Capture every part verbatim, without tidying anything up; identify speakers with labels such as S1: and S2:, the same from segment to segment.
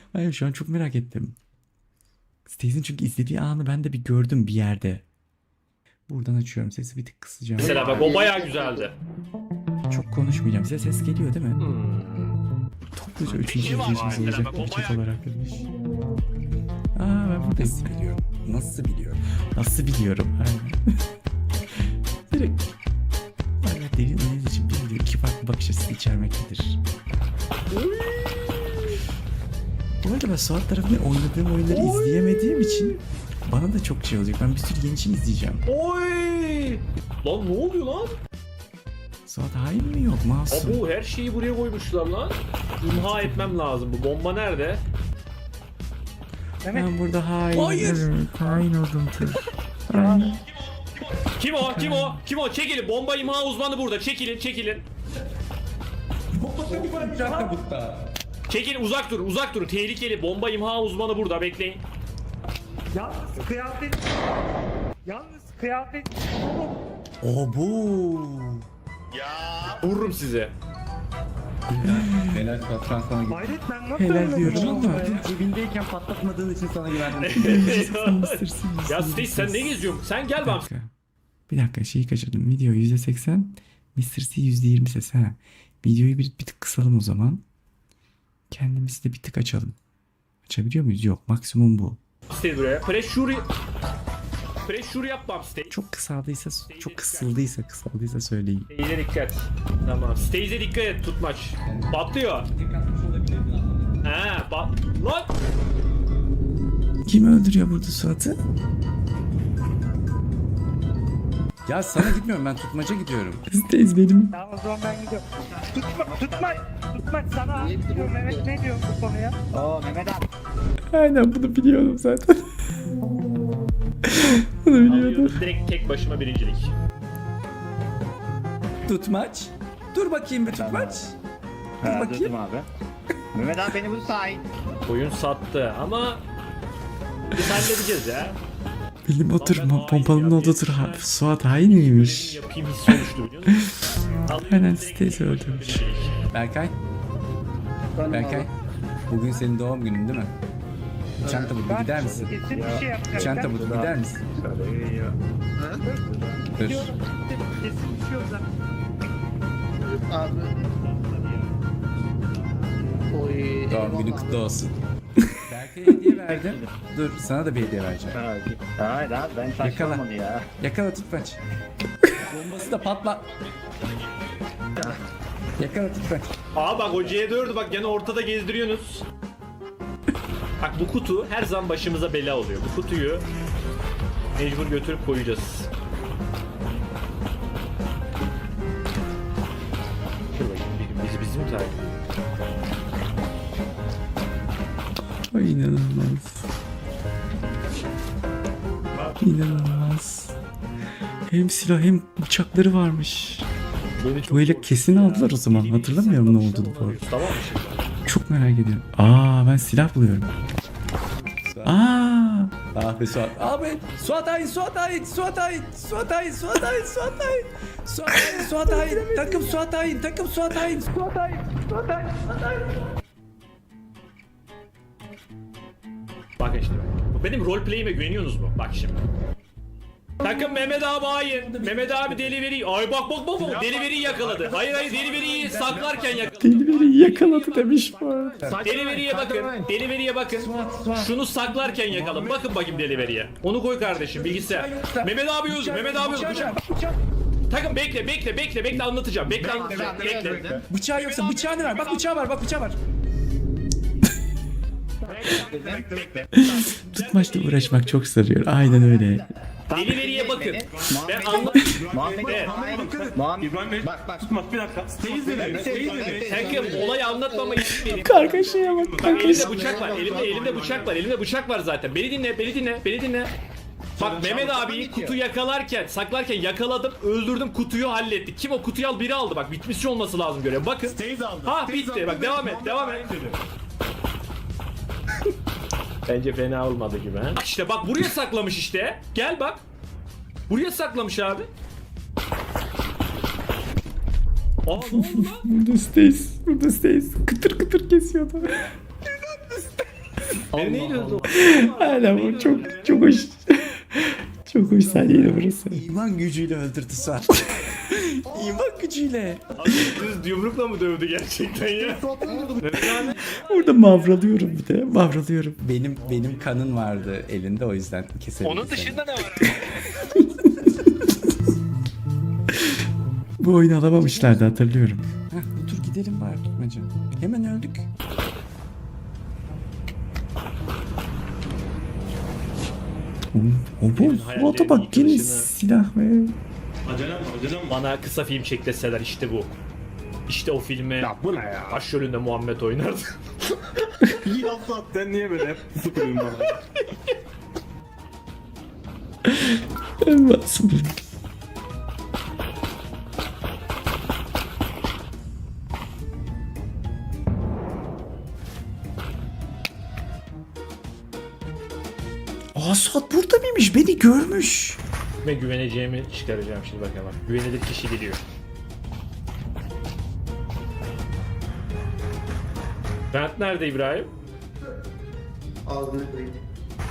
S1: Hayır, şu an çok merak ettim. Stace'in çünkü izlediği anı ben de bir gördüm bir yerde. Buradan açıyorum, sesi bir tık kısacağım.
S2: Mesela bak o bayağı güzeldi.
S1: Çok konuşmayacağım. Size ses geliyor değil mi?
S2: Hmm.
S1: Topluca üçüncü
S2: şey var
S1: izleyicimiz
S2: mesela,
S1: olacak
S2: bak o
S1: bir chat
S2: bayağı-
S1: olarak demiş. Aa, ben buradayım.
S3: Nasıl biliyorum? Nasıl biliyorum?
S1: Nasıl biliyorum? Aynen. Direkt. Hala derin analiz için bir video iki farklı bakış açısı içermektedir. Bu arada ben Suat tarafından oynadığım oyunları izleyemediğim için bana da çok şey olacak. Ben bir sürü yeni şey izleyeceğim.
S2: Oy! Lan ne oluyor lan?
S1: Suat hain mi yok? Masum.
S2: Abo her şeyi buraya koymuşlar lan. İmha etmem lazım. Bu bomba nerede?
S1: Ben burada hain.
S3: Hayır.
S1: Evet, hain oldum tır. Aynen.
S2: Kim o? Kim o? Kim o? Çekilin. Bomba imha uzmanı burada. Çekilin, çekilin. Çekilin, uzak durun, uzak durun. Tehlikeli. Bomba imha uzmanı burada. Bekleyin.
S4: Yalnız kıyafet... Yalnız kıyafet...
S3: O bu.
S2: Vururum sizi.
S3: Helal patron sana gibi.
S4: Hayret ben nasıl
S1: Helal
S4: ölmedim
S1: diyorum
S4: lan
S1: ama.
S4: buraya?
S3: Cebindeyken patlatmadığın için sana güvendim.
S1: Mısır Sim,
S2: Ya
S1: Mısır
S2: Steve sen
S1: Sim.
S2: ne geziyorsun? Sen gel
S1: Bir
S2: bak.
S1: dakika. Bir dakika, şeyi kaçırdım. Video yüzde seksen, mister C yüzde yirmi ses. Ha. Videoyu bir, bir tık kısalım o zaman. Kendimizi de bir tık açalım. Açabiliyor muyuz? Yok. Maksimum bu.
S2: Steve buraya. Pressure... Pressure yapmam Steve.
S1: Çok kısaldıysa, çok kısıldıysa, kısaldıysa söyleyin.
S2: Stage'e dikkat. Tamam. Stage'e dikkat et tutmaç. Patlıyor. Ha, bak. Lan!
S1: Kim öldürüyor burada Suat'ı?
S3: Ya sana gitmiyorum, ben tutmaca gidiyorum.
S1: Stace benim.
S4: Tamam o zaman ben gidiyorum. Tutma, tutma, tutma sana. Diyor Mehmet ne diyor bu konuya? Oo Mehmet abi.
S1: Aynen, bunu biliyordum zaten. Bunu biliyordum.
S2: Alıyoruz direkt tek başıma birincilik.
S3: Tutmaç. Dur bakayım bir tutmaç. Dur
S5: Ha,
S3: bakayım.
S5: durdum abi. Mehmet abi beni bu sahil.
S2: Oyun sattı ama biz halledeceğiz ya.
S1: Benim otur,
S2: Lan ben hain
S1: pompalımın
S2: ya,
S1: olduğu tur
S2: bir-
S1: Suat hain miymiş?
S2: Yapayım hissi oluştu biliyor musun? Alıyoruz
S1: Aynen,
S2: direkt
S1: Stace
S2: tek başıma
S1: öldürmüş.
S2: birincilik.
S3: Berkay. Berkay. Bugün senin doğum günün değil mi? Uçan tabutu
S4: Ben
S3: gider misin?
S4: kesin bir şey yapacağım.
S3: Uçan
S4: Ben
S3: tabutu gider misin? Dur.
S4: gidiyorum. Kesin bir şey olacak.
S3: Doğum günün kutlu olsun. Berkay'a hediye verdim. Dur, sana da bir hediye vereceğim.
S5: Hayır abi ben
S3: Yakala.
S5: saçmalamadı ya.
S3: Yakala tutmaç. Bombası da patla. Yakala tutmaç.
S2: Aa bak o C dördü bak gene ortada gezdiriyorsunuz. Bak bu kutu her zaman başımıza bela oluyor. Bu kutuyu mecbur götürüp koyacağız. Dur bakayım bir gün bizi bizi mi takip ediyor?
S1: Ay, inanılmaz. İnanılmaz. Hem silah hem bıçakları varmış.
S2: Beni çok
S1: Bu ele
S2: korkuttu
S1: kesin
S2: ya.
S1: aldılar o zaman.
S2: Yeni
S1: Hatırlamıyorum ne
S2: bilgisayar
S1: olduğunu bu arada.
S2: kapışma mı alıyoruz, Tamam mı şimdi?
S1: Çok merak ediyorum. Aa, ben silah buluyorum. Aa,
S3: Ah be Suat. Abi Suat Hain, Suat Hain, Suat Hain, Suat Hain, Suat Hain, Suat Hain. Suat Hain, Suat Hain. Takım Suat Hain, takım Suat Hain. Suat Hain, Suat Hain, Suat Hain.
S2: Bakın işte. Bu benim roleplay'ime güveniyorsunuz mu? Bak şimdi. Takım Mehmet abi hain. Mehmet abi deliveri. Ay bak bak bak bak. Deliveriyi yakaladı. Hayır hayır deliveriyi saklarken yakaladı.
S1: Deliveri yakaladı demiş bu arada.
S2: Deliveriye bakın. Deliveriye bakın. Şunu saklarken yakaladım. Bakın bakayım deliveriye. Onu koy kardeşim bilgisayar. Mehmet abi yüz. Mehmet abi yüz. Bıçak. Takım bekle bekle bekle bekle anlatacağım. Bekle anlatacağım. Bekle.
S3: Bıçağı yoksa bıçağını ver. Bak bıçağı var, bak bıçağı var.
S1: Tutmaçla uğraşmak çok sarıyor. Aynen öyle.
S2: Deliveriye bakın. Ben anlat.
S5: Muhammed.
S2: Evet.
S5: Muhammed. Bak bak.
S6: Tutmak bir dakika. Stays dedi. Stays dedi.
S2: Takım olayı anlatmama izin verin.
S1: Kargaşaya bak,
S2: Bak
S1: kargaşa.
S2: elimde bıçak var. Elimde elimde bıçak var. Elimde bıçak var zaten. Beni dinle, beni dinle, beni dinle. Bak Mehmet abiyi kutu yakalarken, saklarken yakaladım, öldürdüm, kutuyu hallettik. Kim o kutuyu al biri aldı bak bitmiş olması lazım görev. Bakın.
S6: Stays aldı.
S2: Ha
S6: Stays
S2: bitti.
S6: aldı.
S2: Bak devam et, devam et. Bence fena olmadı gibi ha. Bak işte bak buraya saklamış işte. Gel bak. Buraya saklamış abi. Aa ne oldu lan?
S1: Burada Stace, burada Stace kıtır kıtır kesiyordu.
S2: Beni neyle öldü?
S1: Hala bu çok çok hoş. Çok hoş sahneydi burası. İman gücüyle öldürdü Suat. İman gücüyle.
S2: Abi düz yumrukla mı dövdü gerçekten ya?
S1: Orada mavralıyorum bir de. Mavralıyorum. Benim benim kanın vardı elinde, o yüzden kesebildim. Onun dışında ne var? Bu oyunu alamamışlardı, hatırlıyorum. Heh, dur gidelim bari tutmaca. Hemen öldük. O bu Suat'a bak, yine silah ve...
S6: Acelem var, acelem var.
S2: Bana kısa film çekleseler işte bu. İşte o filme
S6: Ya bu ne ya?
S2: başrolünde Muhammed oynardı.
S6: İyi laf at. Sen niye böyle hep sıkıyorsun bana?
S1: Basın. Aa, Suat burada mıymış? Beni görmüş.
S2: Ve güveneceğimi çıkaracağım şimdi, bak hemen. Güvenilir kişi geliyor. Bent nerede İbrahim?
S5: Ağzını kırayım.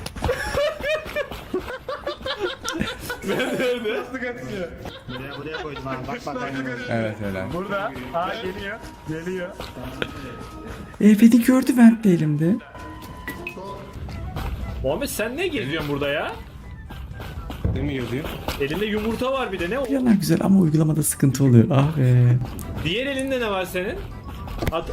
S2: Nerede?
S5: Buraya buraya koydum abi. Bak bak bak.
S1: Evet öyle.
S6: Burada. Aa geliyor. Geliyor.
S1: E, beni gördü Vent de elimde.
S2: Muhammed sen ne geziyorsun burada ya?
S6: Ne mi yazıyor?
S2: Elinde yumurta var bir de, ne o?
S1: Yanar güzel ama uygulamada sıkıntı oluyor. Ah be.
S2: Diğer elinde ne var senin? At.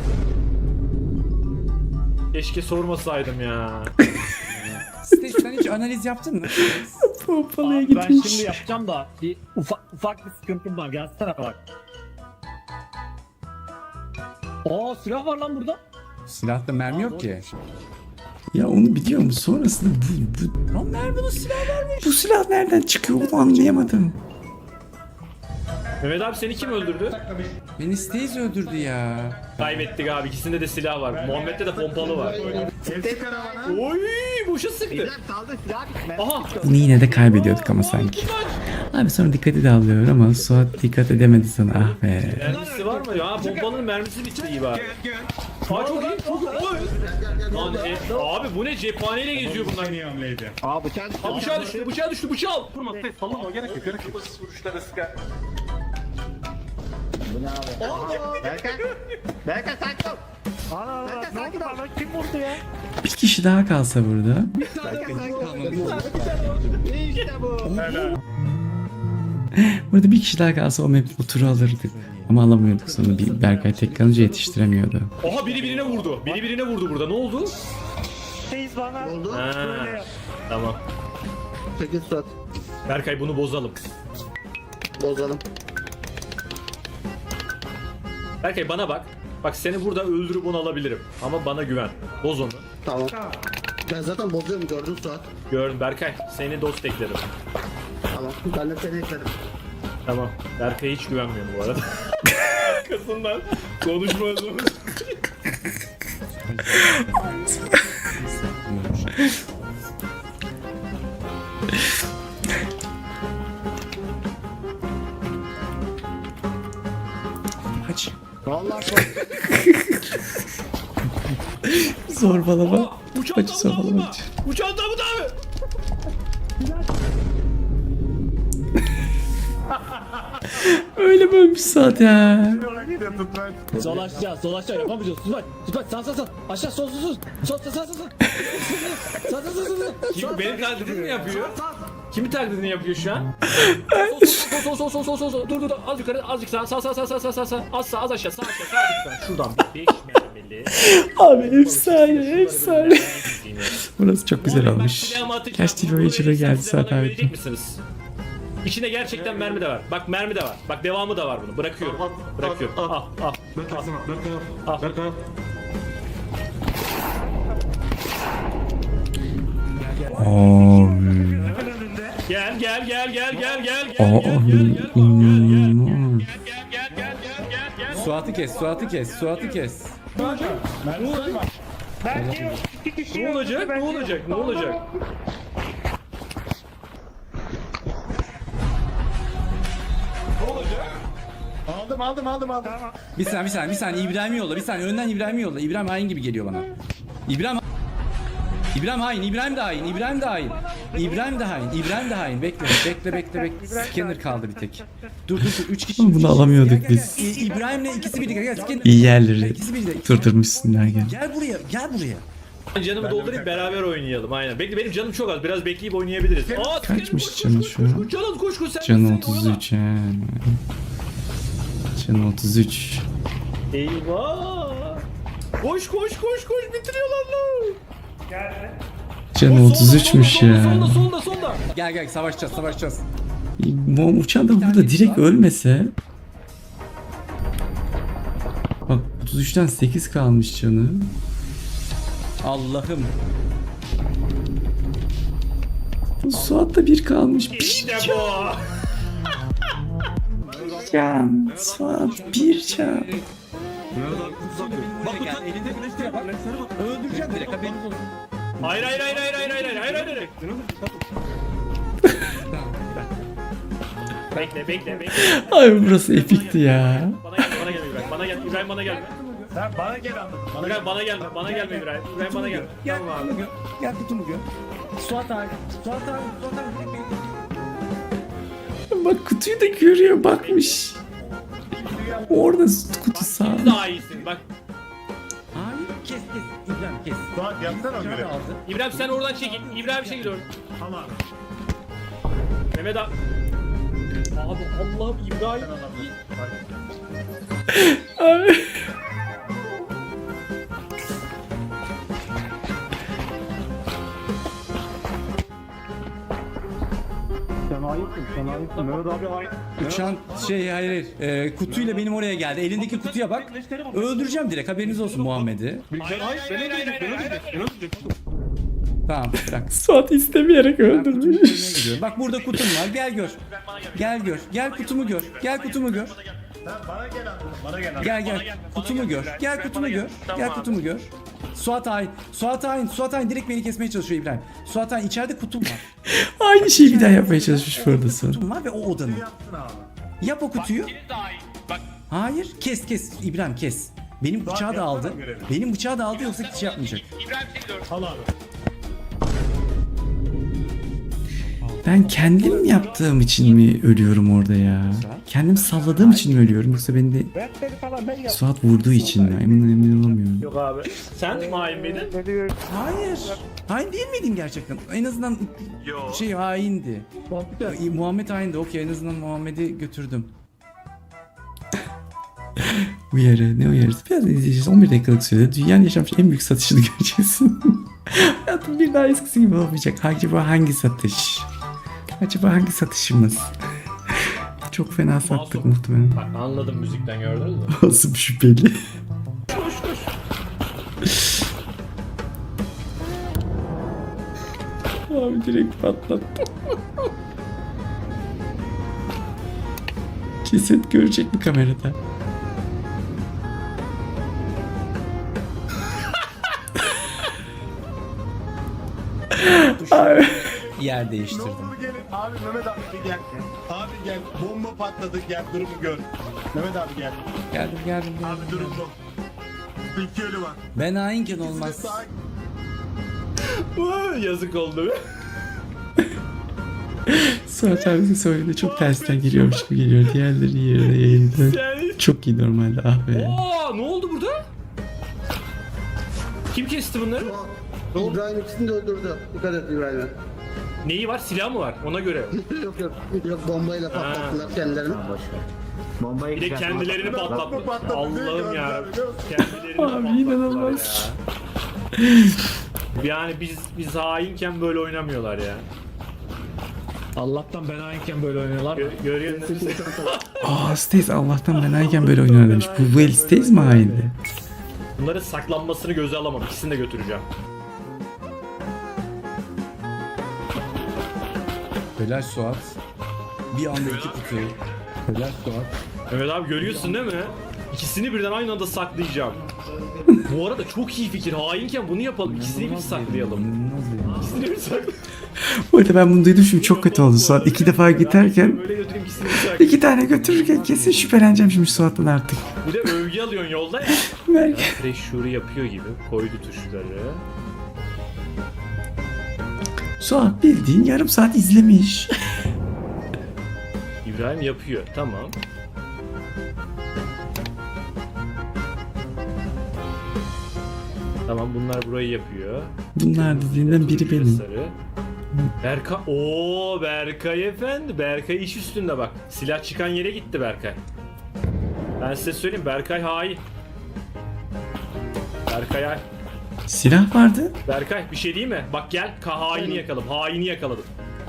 S2: Keşke sormasaydım ya.
S1: Stage, sen hiç analiz yaptın mı? Pompalıya
S7: Ben
S1: gitmiş.
S7: şimdi yapacağım da bir ufak ufak bir sıkıntım var. Gelsene bak. Aa silah var lan burada.
S1: Silahta mermi yok ki. Ya onu biliyor musun? Sonrasında bu... bu... Lan nerede bu silah vermiş? Bu silah nereden çıkıyor, onu anlayamadım.
S2: Mehmet abi seni kim öldürdü?
S1: Beni Staze öldürdü ya.
S2: Kaybettik abi, ikisinde de silah var. Muhammed'de de pompalı var.
S5: Tek karavana.
S2: Oy, boşa sıktı.
S5: İbrahim saldı silah bitme.
S2: Aha.
S1: Bunu yine de kaybediyorduk ama sanki. Abi sonra dikkati dağılıyor ama Suat dikkat edemedi sana, ah be.
S2: Mermisi var mı? Ya pompalının mermisi bitti iyi bari. Aa çok iyi, çok iyi. Oy. Lan e, abi bu ne, cephaneyle geziyor bunlar.
S6: Niye hamleydi?
S5: Aa bıçağı düştü.
S2: Aa, bıçağı düştü, bıçağı düştü, bıçağı al.
S6: Vurma, sallama, gerek yok, gerek yok. Vuruşlara sıkar.
S5: Bu ne abi? Berkay. Berkay sakin ol.
S4: Ana ana
S5: Berkay
S4: ne
S5: sakin
S4: oldu
S5: ol.
S4: bana, kim vurdu ya?
S1: Bir kişi daha kalsa burada.
S5: Berkay sakin ol. İşte bu.
S1: Burada bir kişi daha kalsa o map, o turu alırdık. Ama alamıyorduk sonra, bir Berkay tek kalınca yetiştiremiyordu.
S2: Oha, biri birine vurdu. Biri birine vurdu burada. Ne oldu?
S4: Reis bana
S5: Oldu.
S2: Ha,
S4: böyle yap.
S2: tamam.
S5: Peki Suat.
S2: Berkay bunu bozalım.
S5: Bozalım.
S2: Berkay bana bak. Bak seni burada öldürüp onu alabilirim. Ama bana güven. Boz onu.
S5: Tamam. Ben zaten bozuyorum gördün Suat.
S2: Gördüm Berkay. Seni dost eklerim.
S5: Tamam. Ben de seni ekledim.
S2: Tamam. Berkay'a hiç güvenmiyorum bu arada. Arkasından konuşmaz onu.
S1: Kaç.
S5: Vallahi korktum.
S1: Zorbalama.
S2: Uçağın
S1: Kaç
S2: damı
S1: zorbalama.
S2: damı. Uçağın damı damı.
S1: Öyle bölmüş Suat ya.
S7: Sol aşağı, sol aşağı yapamayacağız. Sus bak, sus bak, sağ sağ sağ. Aşağı sol sol sol. Sol sağ sağ sağ. Sağ sağ sağ sağ.
S2: Kim benim taklidimi mi yapıyor? Kimin taklidini yapıyor şu an? Sol sol sol sol sol sol. Dur dur dur. Az yukarı, azıcık sağ sağ sağ sağ sağ sağ sağ sağ. Az sağ, az aşağı, sağ aşağı, sağ lütfen. Şuradan bir beş mermili.
S1: Abi efsane efsane. Burası çok güzel olmuş.
S2: Silahımı atacağım.
S1: Kaç T V oyuncuları geldi
S2: Siz de bana
S1: Suat abi.
S2: güvenecek misiniz? İçinde gerçekten mermi de var. Bak mermi de var. Bak devamı da var bunun. Bırakıyorum. Bırakıyorum. Al al.
S6: Berkay sana, Berkay
S2: Al.
S6: al. Berkay al.
S1: Abi.
S2: Gel gel gel gel gel gel gel
S1: Aa,
S2: gel gel gel
S1: inanılmaz.
S2: gel gel gel gel gel gel.
S1: Suat'ı kes, Suat'ı kes, Suat'ı kes.
S4: Belki yok. İki kişi
S2: Ne
S4: yok.
S2: olacak? Ne
S4: Belki yok.
S2: olacak? Ne olacak?
S6: Aldım, aldım, aldım, aldım.
S1: Bir saniye, bir saniye, bir saniye. İbrahim'i yolla, bir saniye. Önden İbrahim'i yolla. İbrahim hain gibi geliyor bana. İbrahim...
S3: İbrahim hain, İbrahim de hain, İbrahim de hain. İbrahim de hain, İbrahim de hain. Bekle, bekle, bekle, bekle. Scanner kaldı bir tek. Dur, dur, dur. Üç kişi.
S1: Bunu
S3: üç kişi.
S1: alamıyorduk
S3: Gel, gel, gel.
S1: biz.
S3: İ- İbrahim'le ikisi birlikte. Gel, Scanner.
S1: İyi yerleri
S3: İkisi birlikte.
S1: durdurmuşsun Nagihan.
S3: Gel buraya, gel buraya.
S2: Ben canımı doldurayım beraber oynayalım aynen. Bekle benim canım çok az. Biraz bekleyip oynayabiliriz. Aa,
S1: Kaçmış
S2: koş, koş,
S1: canı
S2: koş,
S1: şu
S2: koş,
S1: an?
S2: koş, Canım koş koş sen.
S1: Canı
S2: sen
S1: otuz
S2: oyala.
S1: üç he. Canı otuz üç.
S2: Eyvah. Koş koş koş koş bitiriyorlar lan.
S1: Canı otuz üçmüş
S2: Solda
S1: ya.
S2: solda solda solda.
S3: Gel gel savaşacağız, savaşacağız.
S1: Bu uçan da burada direkt ölmese. Bak otuz üçten sekiz kalmış canı.
S3: Allah'ım.
S1: Bu Suat'ta bir kalmış. Bir
S2: İşte bu.
S1: can. Suat bir can.
S3: Bak gel, elinde güneşliğe bak. Öldüreceğim direkt haberiniz olsun.
S2: Hayır hayır hayır hayır hayır hayır hayır hayır hayır. Bekle bekle bekle.
S1: Ay burası epikti ya.
S2: Bana gel bana gel İbrahim. Bana gel İbrahim bana gelme.
S4: Sen bana gel anladın. Bana
S2: İbrahim bana gelme. Bana gelme İbrahim. İbrahim bana gelme.
S3: Gel,
S2: Tamam abi.
S3: kutumu gör. Gel kutumu gör. Suat abi, Suat abi, Suat abi direkt beni-
S1: Bak kutuyu da görüyor bakmış. Orada kutu sağ.
S2: Daha iyisin bak.
S3: Hayır, kes kes. İbrahim kes.
S4: Suat yapsana o
S3: Bıçağı
S4: görevi.
S3: da aldı.
S2: İbrahim sen oradan çekil. İbrahim çekil oradan.
S4: Tamam.
S2: Mehmet abi. Abi Allah'ım İbrahim.
S4: Sen ayıpsın, sen ayıpsın. Mehmet abi ayıp.
S3: Uçan şey hayır hayır. Ee, kutuyla benim oraya geldi. Elindeki kutuya bak. Öldüreceğim direkt haberiniz olsun Muhammed'i.
S4: Sen ayıp, beni öldürecek, beni öldürecek, beni öldürecek.
S3: Tamam bırak.
S1: Suat istemeyerek
S3: Ben kutumu
S1: öldürmüş.
S3: görmeye gidiyorum. Bak burada kutum var. Gel gör. Gel gör. Gel kutumu gör. Gel kutumu gör.
S4: Sen bana gel anladın, bana gel anladın.
S3: Gel gel. Kutumu gör. Gel kutumu gör. Gel kutumu gör. Suat hain. Suat hain. Suat hain direkt beni kesmeye çalışıyor İbrahim. Suat hain içeride kutum var.
S1: Aynı şeyi bir daha yapmaya çalışmış bu arada Suat.
S3: Kutum var ve o odanın.
S4: Yapsın abi.
S3: Yap o kutuyu. Hayır. Kes kes. İbrahim kes. Benim bıçağı da aldı. Benim bıçağı da aldı yoksa hiç şey yapmayacak.
S4: Al abi.
S1: Ben kendim yaptığım için mi ölüyorum orada ya? Kendim salladığım için mi ölüyorum yoksa beni de
S4: Ben seni falan ben yaptım.
S1: Suat vurduğu için mi? Emin emin olamıyorum.
S2: Yok abi. Sen mi hain miydin?
S3: Hayır. Hain değil miydim gerçekten? En azından şey haindi. İyi, Muhammed haindi. Okey en azından Muhammed'i götürdüm.
S1: Uyarı ne uyarısı? Biraz izleyeceğiz. on bir dakikalık sürede dünyanın yaşamış en büyük satışını göreceksin. Hayatım bir daha eskisi gibi olmayacak. Acaba hangi satış? Acaba hangi satışımız? Çok fena sattık
S2: Masum.
S1: muhtemelen.
S2: Bak anladım müzikten gördünüz mü?
S1: Nasıl bir şüpheli? Abi direkt patlattı. Kesin görecek mi kamerada? Abi.
S3: Yer
S4: Ne
S3: değiştirdim.
S4: oldu gelin? Abi Mehmet abi bir gel. Abi gel. Bomba patladı gel durumu gör. Mehmet abi gel.
S3: Geldim geldim geldim.
S4: Abi durum bu. İki ölü var.
S3: Ben hainken olmaz.
S4: Sağ-
S2: Vay, yazık oldu be.
S1: Suat abisi söyledi çok tersten geliyormuş gibi geliyor. Diğerleri yerine yayıldı.
S2: Sen...
S1: Çok iyi normalde ah be.
S2: Oo, ne oldu burada? Kim kesti bunları?
S5: İbrahim ikisini de öldürdü. Dikkat et İbrahim'e.
S2: Neyi var? Silah mı var? Ona göre.
S5: yok yok. Yok bombayla patlattılar kendilerini.
S2: Bir de kendilerini patlattı.
S4: patladı,
S2: Allah'ım ya.
S4: gördüm.
S2: Kendilerini
S1: Abi,
S2: patlattılar
S1: inanılmaz.
S2: ya. Yani biz biz hainken böyle oynamıyorlar ya.
S7: Allah'tan ben hainken böyle oynuyorlar.
S2: Gö görüyor musun?
S1: Aa Stays Allah'tan ben ayken böyle oynar demiş. Bu Well Stays mi haindi?
S2: Bunların saklanmasını göze alamam. İkisini de götüreceğim.
S3: Helal Suat. Bir anda iki kutu. Helal Suat.
S2: Evet abi görüyorsun değil mi? İkisini birden aynı anda saklayacağım. Bu arada çok iyi fikir. Hainken bunu yapalım. İkisini bir saklayalım.
S3: İnanılmaz ya.
S2: İkisini bir saklayalım.
S1: Bu arada ben bunu duydum şimdi çok kötü oldu Suat. İki defa giderken
S2: Böyle götüreyim ikisini bir saklayayım.
S1: iki tane götürürken kesin şüpheleneceğim şimdi Suat'tan artık.
S2: Bir de övgü alıyorsun yolda ya.
S1: Belki.
S2: Fresh Shuri yapıyor gibi. Koydu tuşları.
S1: Suat bildiğin yarım saat izlemiş.
S2: İbrahim yapıyor. Tamam. Tamam bunlar burayı yapıyor.
S1: Bunlar dediğinden biri
S2: Turuncu ve
S1: benim.
S2: sarı. Berkay. Oo Berkay efendi. Berkay iş üstünde bak. Silah çıkan yere gitti Berkay. Ben size söyleyeyim Berkay hain. Berkay hain.
S1: Silah vardı.
S2: Berkay bir şey değil mi? Bak gel. Ka haini yakaladım. Haini yakaladım.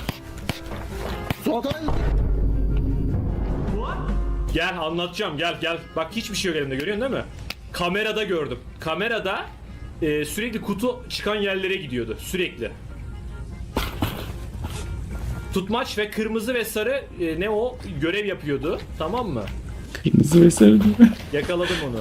S2: Gel anlatacağım gel gel. Bak hiçbir şey yok elimde görüyorsun değil mi? Kamerada gördüm. Kamerada e, sürekli kutu çıkan yerlere gidiyordu. Sürekli. Tutmaç ve kırmızı ve sarı e, ne o görev yapıyordu. Tamam mı?
S1: Kırmızı ve sarı değil mi?
S2: Yakaladım onu.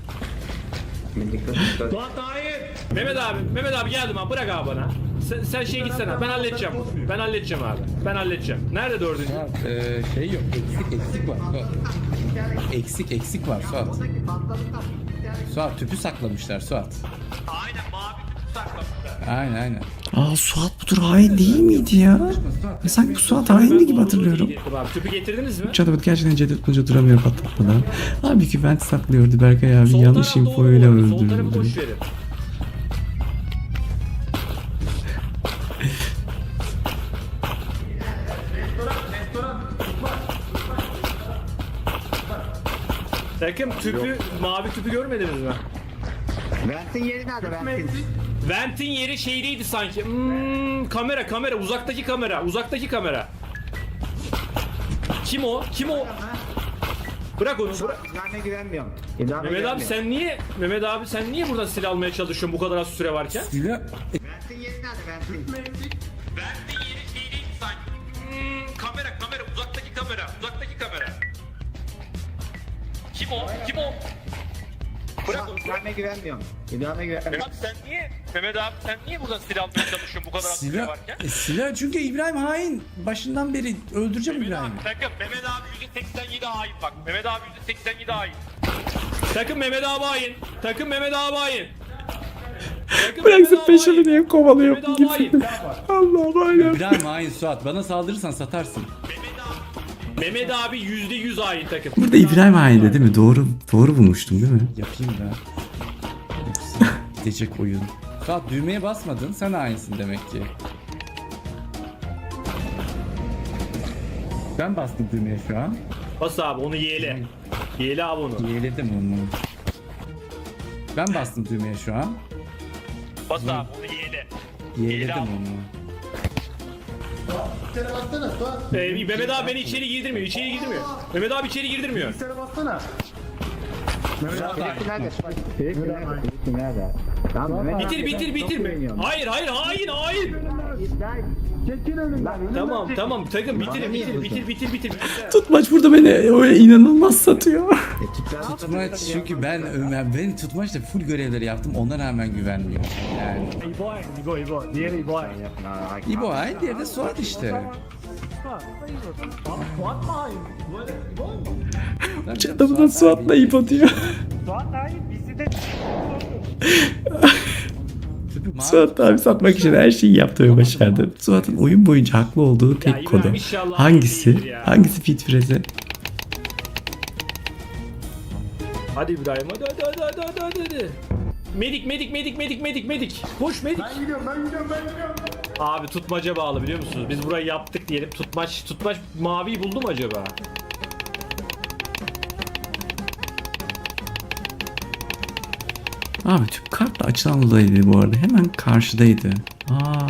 S7: Suat hayır.
S2: Mehmet abi, Mehmet abi geldim abi bırak abi bana. Sen, sen şey gitsene ben halledeceğim. Ben halledeceğim abi. Ben halledeceğim. Nerede dördüncü?
S3: Ee, şey yok. Eksik eksik var Suat. Eksik eksik var Suat. Suat tüpü saklamışlar Suat.
S2: Aynen mavi kutu saklamışlar.
S3: Aynen aynen.
S1: Aa Suat budur hain değil miydi ya? Ya sanki bu Suat haindi gibi hatırlıyorum.
S2: Abi tüpü getirdiniz mi?
S1: Çatabat gerçekten Cevdet Tunca duramıyor patlatmadan. Halbuki vent saklıyordu Berkay abi
S2: Sol
S1: yanlış
S2: taraf doğru
S1: infoyla
S2: bu arada, Sol tarafı
S1: öldürdü.
S2: boş verin. Takım tüpü, mavi tüpü görmediniz mi?
S4: Vent'in yeri nerede Vent'in?
S2: Vent'in yeri şeydeydi sanki. Hmm, kamera kamera uzaktaki kamera uzaktaki kamera. Kim o? Kim o? Bırak onu. Bırak.
S4: İbrahim'e güvenmiyorum. İbrahim'e
S2: Mehmet abi sen niye Mehmet abi sen niye buradan silah almaya çalışıyorsun bu kadar az süre varken?
S3: Silah
S4: Vent'in yeri nerede Vent'in?
S2: Vent'in yeri şeydeydi sanki. Hmm, kamera kamera uzaktaki kamera uzaktaki kamera. Kim o? Kim o? Bırak onu.
S4: İbrahim'e güvenmiyorum. İbrahim'e güvenmiyorum.
S2: Mehmet abi sen niye Mehmet abi sen niye buradan silah almaya çalışıyorsun bu kadar az süre
S3: silah
S2: varken?
S3: e, silah çünkü İbrahim hain. Başından beri öldüreceğim
S2: Mehmet
S3: İbrahim'i.
S2: abi takım Mehmet abi yüzde seksen yedi hain bak. Mehmet abi yüzde seksen yedi hain. Takım Mehmet abi hain. Takım Mehmet abi hain. Takım
S1: Bıraksın
S2: Mehmet abi
S1: peşimi
S2: hain.
S1: diye kovalıyor
S2: Mehmet abi hain.
S1: gitsin. Allah'ım aynen.
S3: İbrahim hain Suat. Bana saldırırsan satarsın.
S2: Mehmet abi yüzde yüz hain takım.
S1: Burada İbrahim haindi değil mi? Doğru doğru bulmuştum değil mi?
S3: Yapayım da. Yoksa gidecek oyun. Suat düğmeye basmadın. Sen hainsin demek ki. Ben bastım düğmeye şu an.
S2: Bas abi onu yeğle. Yeğle abi onu.
S3: Yeğledim onu. Ben bastım düğmeye şu an.
S2: Bas abi onu yeğle.
S3: Yeğledim
S2: abi.
S3: onu.
S2: Ee, Mehmet abi beni içeri girdirmiyor. İçeri girdirmiyor. Mehmet abi içeri girdirmiyor.
S4: Elektriği nerede? Elektriği nerede? Elektriği nerede? Tamam Mehmet
S2: Bitir
S4: abi,
S2: bitir
S4: çok
S2: bitir.
S4: güveniyorum.
S2: Hayır hayır hain hain. Tamam tamam takım bitir bitir bitir bitir bitir.
S1: Tutmaç burada beni öyle inanılmaz satıyor.
S3: Tutmaç çünkü ben ben, ben tutmaçla full görevleri yaptım. Ona rağmen güvenmiyorum. Yani.
S7: İbo hain. İbo İbo. Diğeri İbo hain.
S3: İbo hain, diğeri de Suat işte.
S7: Suat mı hain? Böyle İbo mu?
S1: Çatamı da Suat'la ipo diyor.
S4: Suat hayır bizi de
S1: Suat abi satmak için her şeyi yaptı ve başardı. Suat'ın oyun boyunca haklı olduğu
S2: Ya
S1: tek
S2: İbrahim
S1: konu.
S2: inşallah değildir
S1: Hangisi?
S2: ya.
S1: Hangisi fit freze?
S2: Hadi İbrahim hadi hadi hadi hadi hadi hadi. hadi. Medik medik medik medik medik medik. Koş medik. Ben gidiyorum ben gidiyorum ben gidiyorum. Abi tutmaca bağlı biliyor musunuz? Biz burayı yaptık diyelim. Tutmaç tutmaç maviyi buldu mu acaba?
S1: Abi tüp kartla açılan odaydı bu arada. Hemen karşıdaydı. Aa.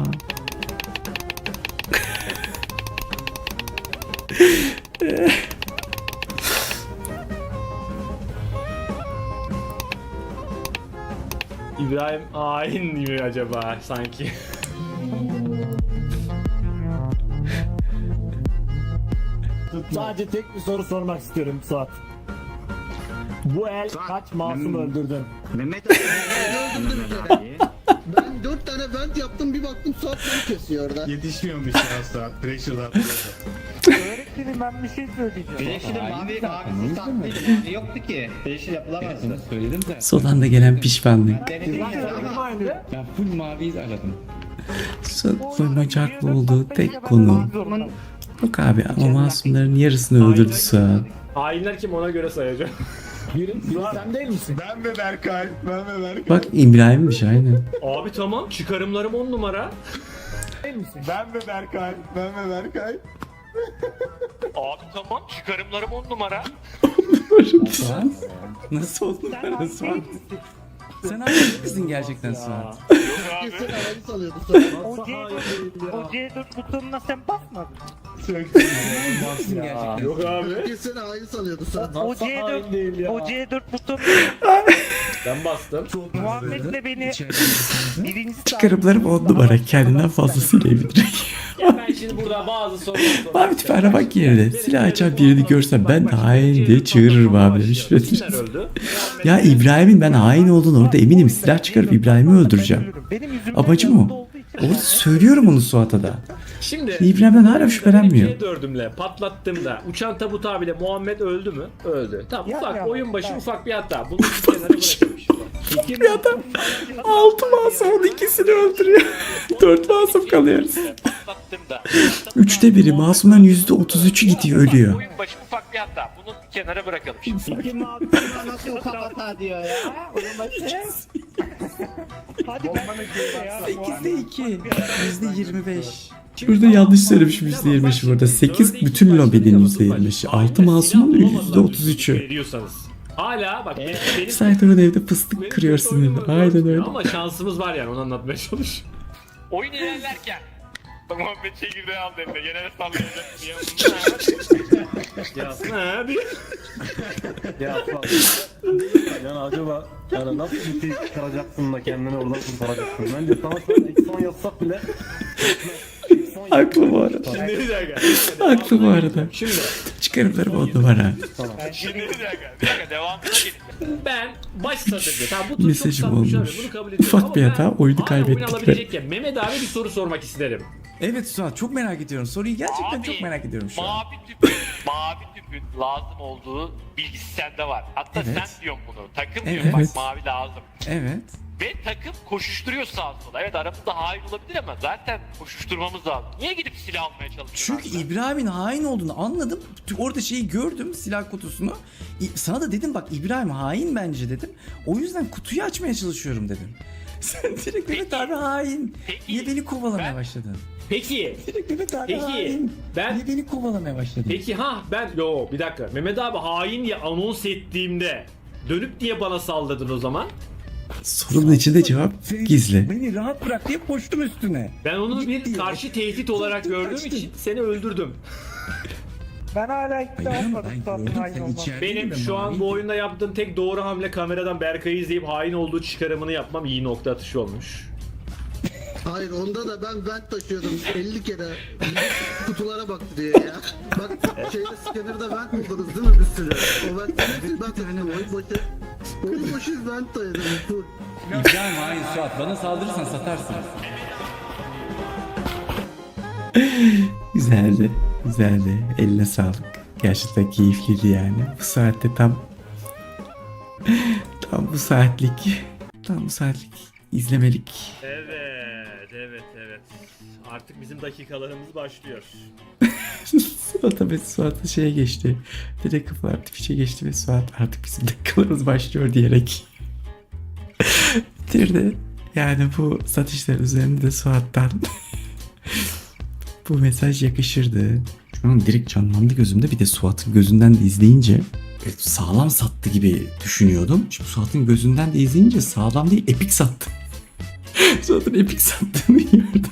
S2: İbrahim hain mi acaba sanki?
S7: Sadece tek bir soru sormak istiyorum Suat. Bu el kaç masum öldürdün?
S4: Mehmet abi Mehmet abi.
S5: Ben dört tane vent yaptım bir baktım Suat beni kesiyor orada.
S6: Yetişmiyormuş ya saat. Pressure'dan.
S4: Öğretmenim ben bir şey söyleyeceğim.
S8: Yeşilin mavi mavi saklıydı. Mavi yoktu ki. Yeşil yapılamazdı.
S3: Söyledim de.
S1: Son anda gelen pişmanlık.
S8: Denedin ya.
S3: Ben full maviyi aradım.
S1: Suat'ın bacaklı olduğu tek konu. Yok abi ama masumların yarısını öldürdü Suat.
S2: Hainler kim ona göre sayacağım.
S7: Biri, biri sen değil misin?
S6: Ben ve Berkay. Ben ve Berkay.
S1: Bak İbrahim'miş aynen.
S2: Abi tamam çıkarımlarım on numara.
S7: Değil misin?
S6: Ben ve Berkay. Ben ve Berkay.
S2: Abi tamam çıkarımlarım on numara.
S1: Suat? Nasıl oldu böyle Suat? Sen abi misin gerçekten Suat?
S5: Kesin havayı salıyordu sana.
S4: O C dört, o C dört butonuna sen basmadın.
S1: Misin gerçekten?
S2: Yok abi.
S5: Kesin havayı salıyordu sana.
S4: O
S7: Nasıl
S4: C
S7: hain değil
S4: dört,
S7: ya?
S4: o C dört butonu
S2: Ben bastım.
S4: Muhammed'le beni birincisi
S1: Çıkarımlarım on numara. Kendinden fazlasıyla emin.
S2: Ya ben şimdi burada bazı sorular sorayım.
S1: Abi tipi aramak yerine silah açan birini görsem ben de hain diye çığırırım abi demiş.
S2: Kimler öldü?
S1: Ya İbrahim'in ben hain olduğunu orada eminim. Silah çıkarıp İbrahim'i öldüreceğim.
S4: benim yüzümden
S1: Amacım
S4: yanında
S1: o.
S4: olduğu için-
S1: Orada söylüyorum onu Suat'a da.
S2: Şimdi
S1: İbrahim'den hala şüphelenmiyor.
S2: C dördümle patlattığımda uçan tabut abiyle Muhammed öldü mü? Öldü. Tamam
S4: Ya,
S2: ufak
S4: ya,
S2: oyun başı
S4: ya.
S2: ufak bir hata. Bunu bir kenara bırakmış. İki
S1: Bir adam altı masumun ikisini öldürüyor. Dört masum kalıyoruz.
S2: patlattığımda
S1: Üçte biri masumların yüzde otuz üçü gidiyor ölüyor.
S2: oyun başı ufak bir hata. Bunu bir kenara bırakalım şimdi.
S5: Nasıl ufak hata diyor ya.
S4: Hadi ben ya.
S1: sekizde iki. Yüzde yirmi beş. Burada yanlış söylemişim yüzde yirmi beşi burada. sekiz bütün lobinin yüzde yirmi beşi. altı masumun yüzde otuz üçü.
S2: Veriyorsanız. Hala bak benim, benim
S1: Saytor'un evde fıstık kırıyor sinirli. Aynen öyle.
S2: ama şansımız var yani onu anlatmaya çalış.
S9: Oyun ilerlerken Muhammed çekirdeği aldı eline. Gene de sallayacak diye.
S2: Ha diye.
S6: Ya yani acaba yani nasıl bir şey çıkaracaksın da kendini oradan kurtaracaksın? Bence sana şu an ekson yazsak bile
S1: Haklı bu arada.
S2: Şimdi bir dakika.
S1: Haklı bu arada.
S2: Şimdi
S1: Çıkarımlarım on numara.
S9: Şimdi bir dakika. Bir dakika devamına gelin.
S2: ben baş satırdı. Tamam bu tur çok
S1: Mesajım
S2: sapmış abi.
S1: olmuş.
S2: Bunu kabul ediyorum.
S1: Ufak
S2: Ama
S1: bir
S2: ben
S1: hata, oyunu
S2: hala
S1: kaybettik
S2: oyun alabilecekken Mehmet abi bir soru sormak isterim.
S1: Evet Suat çok merak ediyorum. Soruyu gerçekten
S9: Abi,
S1: çok merak ediyorum şu an.
S9: Mavi tüpün, mavi tüpün lazım olduğu bilgisi sende var. Hatta
S1: Evet.
S9: sen diyorsun bunu. Takım
S1: Evet.
S9: diyor bak mavi lazım.
S1: Evet.
S9: Ve takım koşuşturuyor sağa sola. Evet aramızda hain olabilir ama zaten koşuşturmamız lazım. Niye gidip silah almaya çalışıyorsun?
S1: Çünkü İbrahim'in hain olduğunu anladım. Orada şeyi gördüm, silah kutusunu. İ- Sana da dedim bak İbrahim hain bence dedim. O yüzden kutuyu açmaya çalışıyorum dedim. Sen direkt Mehmet abi hain.
S9: Peki,
S1: Niye beni kovalamaya
S9: ben-
S1: başladın?
S2: Peki.
S1: Direkt Mehmet abi
S2: Peki,
S1: hain.
S2: ben-
S1: Niye beni kovalamaya başladın?
S2: Peki ha ben yo bir dakika. Mehmet abi hain diye anons ettiğimde dönüp diye bana saldırdın o zaman.
S1: Sorunun içinde cevap gizli.
S3: Beni rahat bırak diye koştum üstüne.
S2: Ben onu bir
S3: Ciddi.
S2: karşı tehdit olarak gördüğüm için seni öldürdüm.
S4: Ben hala ikna
S3: Hayır ama
S4: olmadım
S3: ben
S4: Suat'ın
S3: gördüm
S4: hain
S3: sen
S4: olmam.
S3: içeride.
S2: Benim şu an bu oyunda yaptığım tek doğru hamle kameradan Berkay'ı izleyip hain olduğu çıkarımını yapmam iyi nokta atışı olmuş.
S5: Hayır onda da ben vent taşıyordum elli kere. Kutulara baktı diye ya. Bak şeyde scanner'da vent buldunuz değil mi bir sürü? O ventleri ben taşıdım. Oyun başı. Oyun başı vent taşıdım. Full.
S3: İbrahim hain Suat. Bana saldırırsan satarsın.
S1: Güzeldi. Güzeldi. Eline sağlık. Gerçekten keyifliydi yani. Bu saatte tam tam bu saatlik tam bu saatlik izlemelik.
S2: Evet, evet, evet. Artık bizim dakikalarımız başlıyor.
S1: Suat ve Suat şeye geçti. Direkt kafa artık fişe geçti ve Suat artık bizim dakikalarımız başlıyor diyerek bitirdi. Yani bu satışlar üzerinde de Suat'tan bu mesaj yakışırdı. Şu an direkt canlandı gözümde. Bir de Suat'ın gözünden de izleyince sağlam sattı gibi düşünüyordum. Şimdi Suat'ın gözünden de izleyince sağlam değil epik sattı. Suat'ın epik sattığını gördüm.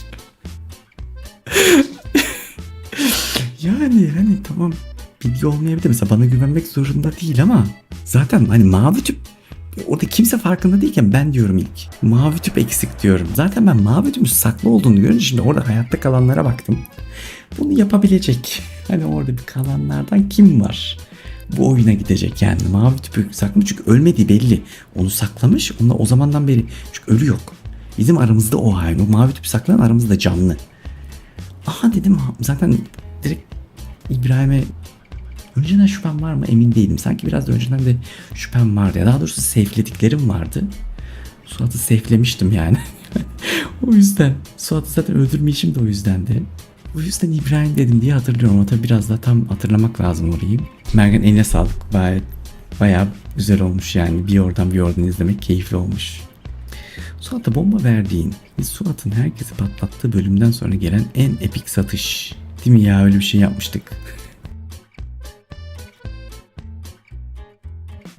S1: Yani hani tamam bilgi olmayabilir. Mesela bana güvenmek zorunda değil ama zaten hani mavi tüp orada kimse farkında değilken ben diyorum ilk. Mavi tüp eksik diyorum. Zaten ben mavi tüpün saklı olduğunu görünce şimdi orada hayatta kalanlara baktım. Bunu yapabilecek. Hani orada bir kalanlardan kim var? Bu oyuna gidecek yani. Mavi tüpü saklamış çünkü ölmediği belli. Onu saklamış. Onunla o zamandan beri çünkü ölü yok. Bizim aramızda o hain. O mavi tüpü saklayan aramızda canlı. Aha dedim zaten direkt İbrahim'e önceden şüphem var mı emin değilim. Sanki biraz da önceden de şüphem vardı. Ya daha doğrusu safe'lediklerim vardı. Suat'ı safe'lemiştim yani. O yüzden. Suat'ı zaten öldürmeyişim de o yüzdendi. O yüzden İbrahim dedim diye hatırlıyorum ama tabii biraz daha tam hatırlamak lazım orayı. Mergen eline sağlık. Bayağı, bayağı güzel olmuş yani. Bir oradan bir oradan izlemek keyifli olmuş. Suat'a bomba verdiğin, biz Suat'ın herkesi patlattığı bölümden sonra gelen en epik satış. Değil mi ya, öyle bir şey yapmıştık.